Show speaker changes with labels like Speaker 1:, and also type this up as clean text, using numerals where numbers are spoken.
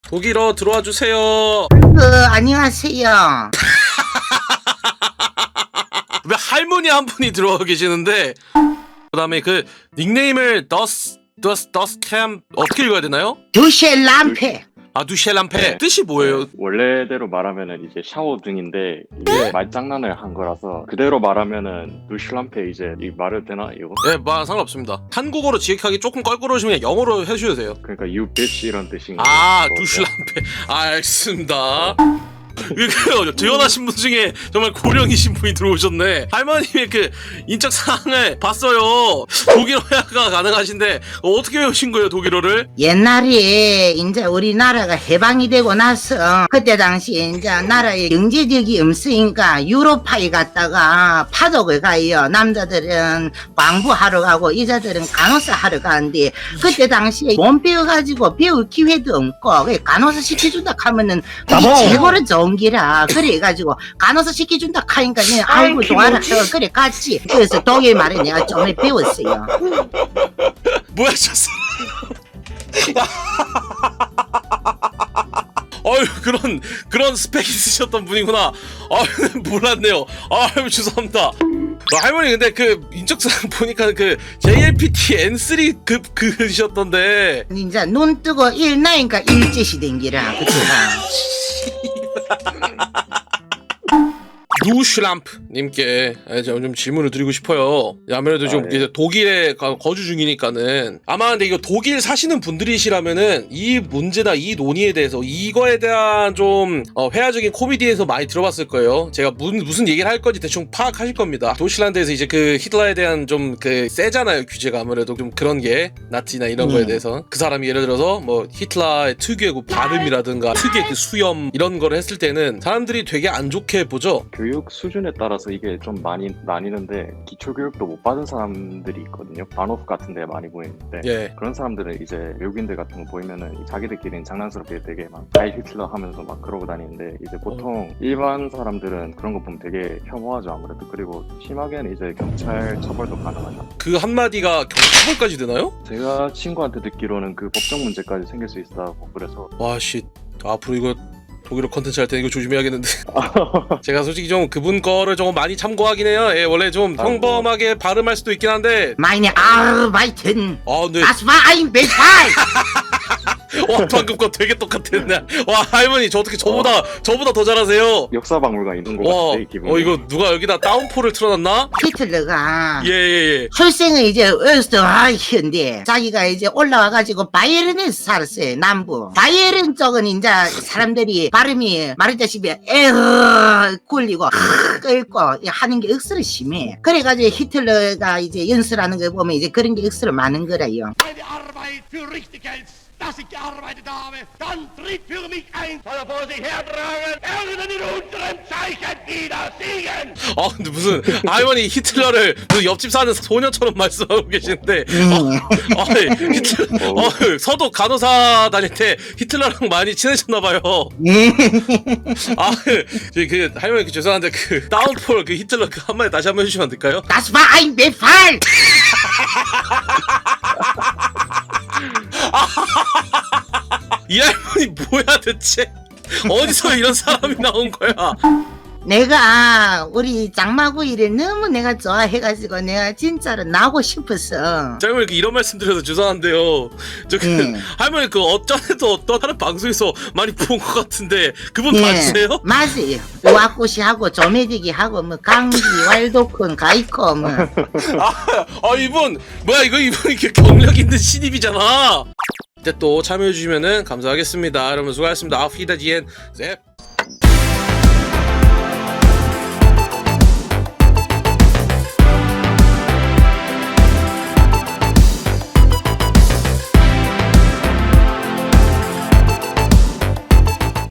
Speaker 1: 독일어 들어와 주세요.
Speaker 2: 안녕하세요.
Speaker 1: 왜 할머니 한 분이 들어와 계시는데, 그다음에 그 닉네임을 더스캠 어떻게 읽어야 되나요?
Speaker 2: 두셸람페.
Speaker 1: 아, 두셸람페.
Speaker 3: 네.
Speaker 1: 뜻이 뭐예요?
Speaker 3: 원래대로 말하면은 이제 샤워 중인데 이게
Speaker 1: 네.
Speaker 3: 말장난을 한 거라서 그대로 말하면은 두슐람페 이제 이 말을 되나 이거?
Speaker 1: 네, 상관없습니다. 한국어로 지역하기 조금 껄끄러우시면 영어로 해주셔도 돼요.
Speaker 3: 그러니까 you bitch 이런 뜻인 거.
Speaker 1: 아, 두슐람페. 알겠습니다. 그 재혼하신 분 중에 정말 고령이신 분이 들어오셨네. 할머님의 그 인적 사항을 봤어요. 독일어 회화가 가능하신데 어떻게 배우신 거예요, 독일어를?
Speaker 2: 옛날에 이제 우리나라가 해방이 되고 나서 그때 당시 이제 나라에 경제력이 없으니까 유로파에 갔다가 파독을 가요. 남자들은 광부하러 가고 여자들은 간호사 하러 가는데 그때 당시에 못 배워가지고 배울 기회도 없고 그래 간호사 시켜준다 하면은 그게 최고로 좋은 기라. 그래가지고 간호사 시켜준다 하니까 그냥 아이고 동아라 그래 갔지. 그래서 독일 말을 내가 좀 배웠어요.
Speaker 1: 뭐야, 저 어휴, 그런 스펙 있으셨던 분이구나. 몰랐네요. 죄송합니다. 할머니, 근데 그 인적사항 보니까 그 JLPT N3급 그이셨던데.
Speaker 2: 이제 눈 뜨고 일 나니까 일제시 된기라. 그치가.
Speaker 1: 누슐람프님께 좀 질문을 드리고 싶어요. 아무래도 좀
Speaker 3: 네.
Speaker 1: 이제 독일에 거주 중이니까는 아마 근데 이거 독일 사시는 분들이시라면은 이 문제나 이 논의에 대해서 이거에 대한 좀 회화적인 코미디에서 많이 들어봤을 거예요. 제가 무슨 얘기를 할 건지 대충 파악하실 겁니다. 도시란드에서 이제 그 히틀러에 대한 좀 그 세잖아요, 규제가. 아무래도 좀 그런 게 나치나 이런 거에 대해서 그 사람이 예를 들어서 뭐 히틀러의 특유의 그 발음이라든가 특유의 그 수염 이런 거를 했을 때는 사람들이 되게 안 좋게 보죠.
Speaker 3: 교육 수준에 따라서 이게 좀 많이 나뉘는데 기초 교육도 못 받은 사람들이 있거든요. 바노프 같은 데 많이 보이는데
Speaker 1: 예.
Speaker 3: 그런 사람들은 이제 외국인들 같은 거 보이면은 자기들끼리는 장난스럽게 되게 막 하이 히틀러 하면서 막 그러고 다니는데 이제 보통 일반 사람들은 그런 거 보면 되게 혐오하죠 아무래도. 그리고 심하게는 이제 경찰 처벌도 가능하죠.
Speaker 1: 그 한마디가 경찰까지 되나요?
Speaker 3: 제가 친구한테 듣기로는 그 법적 문제까지 생길 수 있다고 그래서
Speaker 1: 와씨, 앞으로 이거 독일어 컨텐츠 할 때 이거 조심해야겠는데. 제가 솔직히 좀 그분 거를 조금 많이 참고하긴 해요. 예, 원래 좀 평범하게 발음할 수도 있긴 한데.
Speaker 2: Meine Arbeiten.
Speaker 1: 네.
Speaker 2: Das war ein Befehl.
Speaker 1: 와, 방금 거 되게 똑같았네. 와, 할머니 저 어떻게 저보다 더 잘하세요.
Speaker 3: 역사박물관 있는 것
Speaker 1: 와,
Speaker 3: 같아 이 기분.
Speaker 1: 이거 누가 여기다 다운포를 틀어놨나?
Speaker 2: 히틀러가
Speaker 1: 예.
Speaker 2: 출생은 이제 어스트라이히인데 자기가 이제 올라와가지고 바이에른에서 살았어요. 남부 바이에른 쪽은 이제 사람들이 발음이 말했다시피 에허 굴리고 끓고 하는 게 억수로 심해. 그래가지고 히틀러가 이제 연설하는 거 보면 이제 그런 게 억수로 많은 거라요.
Speaker 4: Meine Arbeit für richtig hältst, dass ich gearbeitet habe, dann tritt für mich ein, soll er vor sich hertragen, er in unserem Zeichen wieder siegen!
Speaker 1: 근데 무슨 할머니 히틀러를 무슨 옆집 사는 소녀처럼 말씀하고 계시는데. 히틀러, 서독 간호사 다닐 때 히틀러랑 많이 친해졌나봐요. 그 할머니 죄송한데 그 다운폴 그 히틀러 그 한마디 다시 한번 해주시면 안 될까요?
Speaker 2: Das war ein Befehl.
Speaker 1: 이 할머니 뭐야 대체? 어디서 이런 사람이 나온 거야?
Speaker 2: 내가 우리 장마구이를 너무 내가 좋아해가지고 내가 진짜로 나고 싶었어.
Speaker 1: 자, 할머니 이런 말씀 드려서 죄송한데요. 할머니 그 어쩐에도 어떤 다른 방송에서 많이 본 것 같은데 그분 맞으세요?
Speaker 2: 맞아요. 와꾸시하고 조매디기하고 뭐 강기, 왈도쿤, 가이코 뭐.
Speaker 1: 이분 뭐야 이분 이렇게 경력 있는 신입이잖아. 이때 또 참여해주시면은 감사하겠습니다. 여러분 수고하셨습니다. 아프리다지엔 셉.